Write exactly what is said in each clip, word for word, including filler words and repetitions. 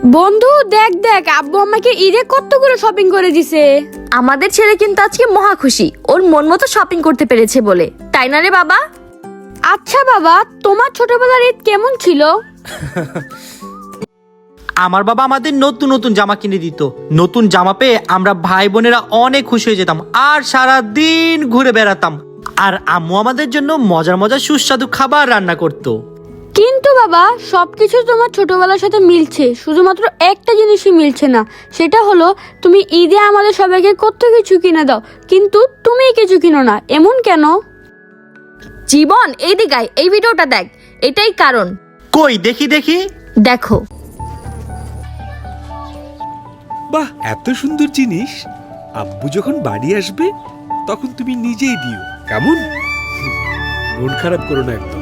বন্ধু দেখ দেখ আব্বু আমাকে ঈদে কতগুলো শপিং করে দিছে। আমাদের ছেলে কিন্তু আজকে মহা খুশি, ওর মন মতো শপিং করতে পেরেছে বলে, তাই না রে বাবা? আচ্ছা বাবা, তোমার ছোটবেলার ঈদ কেমন ছিল? আমার বাবা আমাদের নতুন নতুন জামা কিনে দিত। নতুন জামা পেয়ে আমরা ভাই বোনেরা অনেক খুশি হয়ে যেতাম আর সারা দিন ঘুরে বেড়াতাম। আর আম্মু আমাদের জন্য মজার মজার সুস্বাদু খাবার রান্না করতো। কিন্তু বাবা সবকিছু তোমার ছোটবেলার সাথে মিলছে, শুধুমাত্র একটা জিনিসই মিলছে না, সেটা হলো তুমি ঈদে আমাদের সবাইকে কত কিছু কিনে দাও, কিন্তু তুমি কিছু কিনো না, এমন কেন? জীবন এই দিকায়, এই ভিডিওটা দেখ, এটাই কারণ। কই দেখি দেখি। দেখো, বাহ, এত সুন্দর জিনিস। আব্বু যখন বাড়ি আসবে তখন তুমি নিজেই দিও, কেমন? মন খারাপ করো না একদম।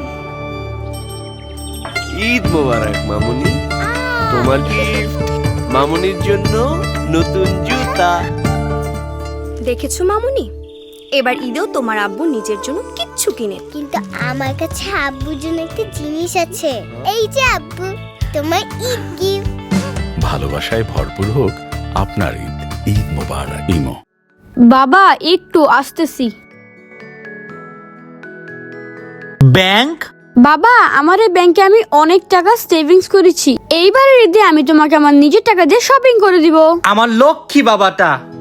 ঈদ মোবারক মামুনি, তোমার গিফট মামুনির জন্য নতুন জুতা। দেখেছো মামুনি, এবার ঈদেও তোমার আব্বু নিজের জন্য কিচ্ছু কিনে। কিন্তু আমার কাছে আব্বুর জন্য একটা জিনিস আছে। এই যে আব্বু, তোমার ঈদ গিফট। ভালোবাসায় ভরপুর হোক আপনার ঈদ। ঈদ মোবারক। ইমো। বাবা একটু আসতেছি। ব্যাংক? বাবা আমার এই ব্যাংকে আমি অনেক টাকা সেভিংস করেছি, এইবারের ঈদে আমি তোমাকে আমার নিজের টাকা দিয়ে শপিং করে দিব। আমার লক্ষ্মী বাবাটা।